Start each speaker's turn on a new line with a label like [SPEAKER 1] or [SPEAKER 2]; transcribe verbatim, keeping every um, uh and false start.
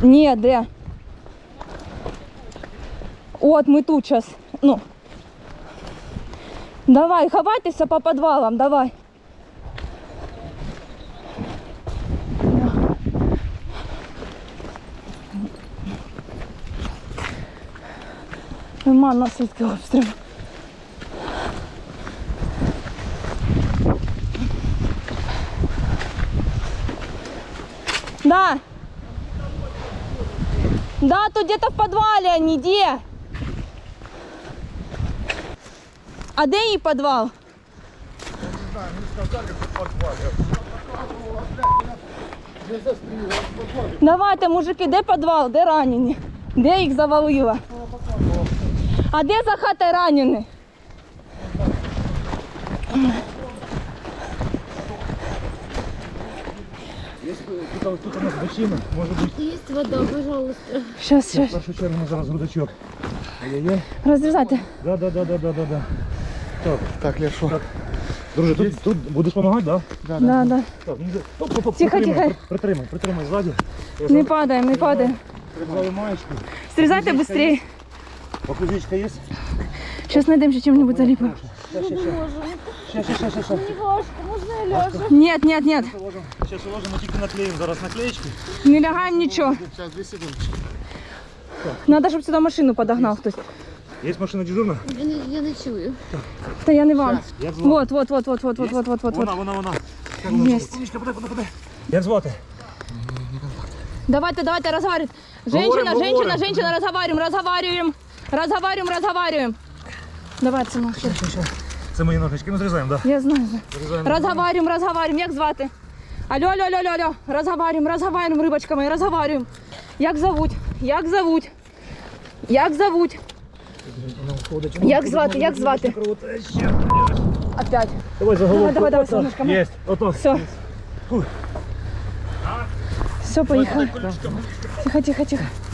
[SPEAKER 1] Ні, де? От ми тут зараз. Ну. Давай, ховайтеся по підвалам, давай. Нема наслідки обстрілу. Да. Да, тут где-то в подвале они, где? А где її подвал?
[SPEAKER 2] Не знаю, мне сказали, что в подвале.
[SPEAKER 1] Давайте, мужики, де підвал, де ранені? Де їх завалило? А де за хатою ранені?
[SPEAKER 2] Тут, тут у нас бочина, может быть.
[SPEAKER 3] Есть вода, пожалуйста.
[SPEAKER 1] Сейчас,
[SPEAKER 2] В
[SPEAKER 1] сейчас.
[SPEAKER 2] першу чергу зараз рудачок. Ай-яй-яй.
[SPEAKER 1] Розрізайте.
[SPEAKER 2] Да, да, да, да, да, да, да. Так,
[SPEAKER 4] Так, Лешо.
[SPEAKER 2] так. Друже, тут, тут будеш допомагати, да?
[SPEAKER 4] Да,
[SPEAKER 1] Да, да.
[SPEAKER 2] Так, ну, оп, оп, оп,
[SPEAKER 1] Тихо,
[SPEAKER 2] притримай,
[SPEAKER 1] тихо.
[SPEAKER 2] при- Притримай, притримай ззаді. Я
[SPEAKER 1] Не
[SPEAKER 2] зараз
[SPEAKER 1] падаємо, не падаємо.
[SPEAKER 2] Прибрали маєчку.
[SPEAKER 1] Стрізайте швидше.
[SPEAKER 2] Окузичка є?
[SPEAKER 1] Зараз знайдемо ще чим-небудь заліпимо.
[SPEAKER 2] Ща, ща, ща. Ща, ща, ща, ща, ща.
[SPEAKER 3] Неважко, можно я ляжу?
[SPEAKER 1] Нет, нет, нет.
[SPEAKER 2] Зараз уложимо, тільки наклеїмо зараз наклеєчки.
[SPEAKER 1] Не лягаємо нічого.
[SPEAKER 4] Сейчас, две секунды.
[SPEAKER 1] Надо, щоб сюди машину подогнав хтось.
[SPEAKER 2] Є машина дежурна?
[SPEAKER 3] Я не, я не чую.
[SPEAKER 1] Та я не вам.
[SPEAKER 2] Як звати?
[SPEAKER 1] Вот, вот, вот, вот, вот, вот, вот, вот, вот,
[SPEAKER 2] Вона,
[SPEAKER 1] вот.
[SPEAKER 2] вона, вона.
[SPEAKER 1] Єсть.
[SPEAKER 2] Умничка, подай, подай, подай. Як звати?
[SPEAKER 1] Давайте, давайте, разговаривать. Женщина,
[SPEAKER 2] Говорим,
[SPEAKER 1] женщина,
[SPEAKER 2] говорим.
[SPEAKER 1] женщина, разговариваем, разговариваем. Разговариваем, разговариваем. Давай, сынок.
[SPEAKER 2] Ща, ща, ща. Це мої ножички, ми зрізаємо, так?
[SPEAKER 1] Я знаю.
[SPEAKER 2] Зрізаємо.
[SPEAKER 1] Разговариваем, разговариваем. Як звати? Алло, алло, алло, алло, алло. Разговариваем, разговариваем, рибочка моя, разговариваем. Як зовуть? Як зовуть? Як зовуть? Як звати? Як звати? Опять.
[SPEAKER 2] Давай за голову.
[SPEAKER 1] Давай, давай, давай, солнышко.
[SPEAKER 2] Є, ото.
[SPEAKER 1] Все. Все, поехали. Тихо, тихо, тихо.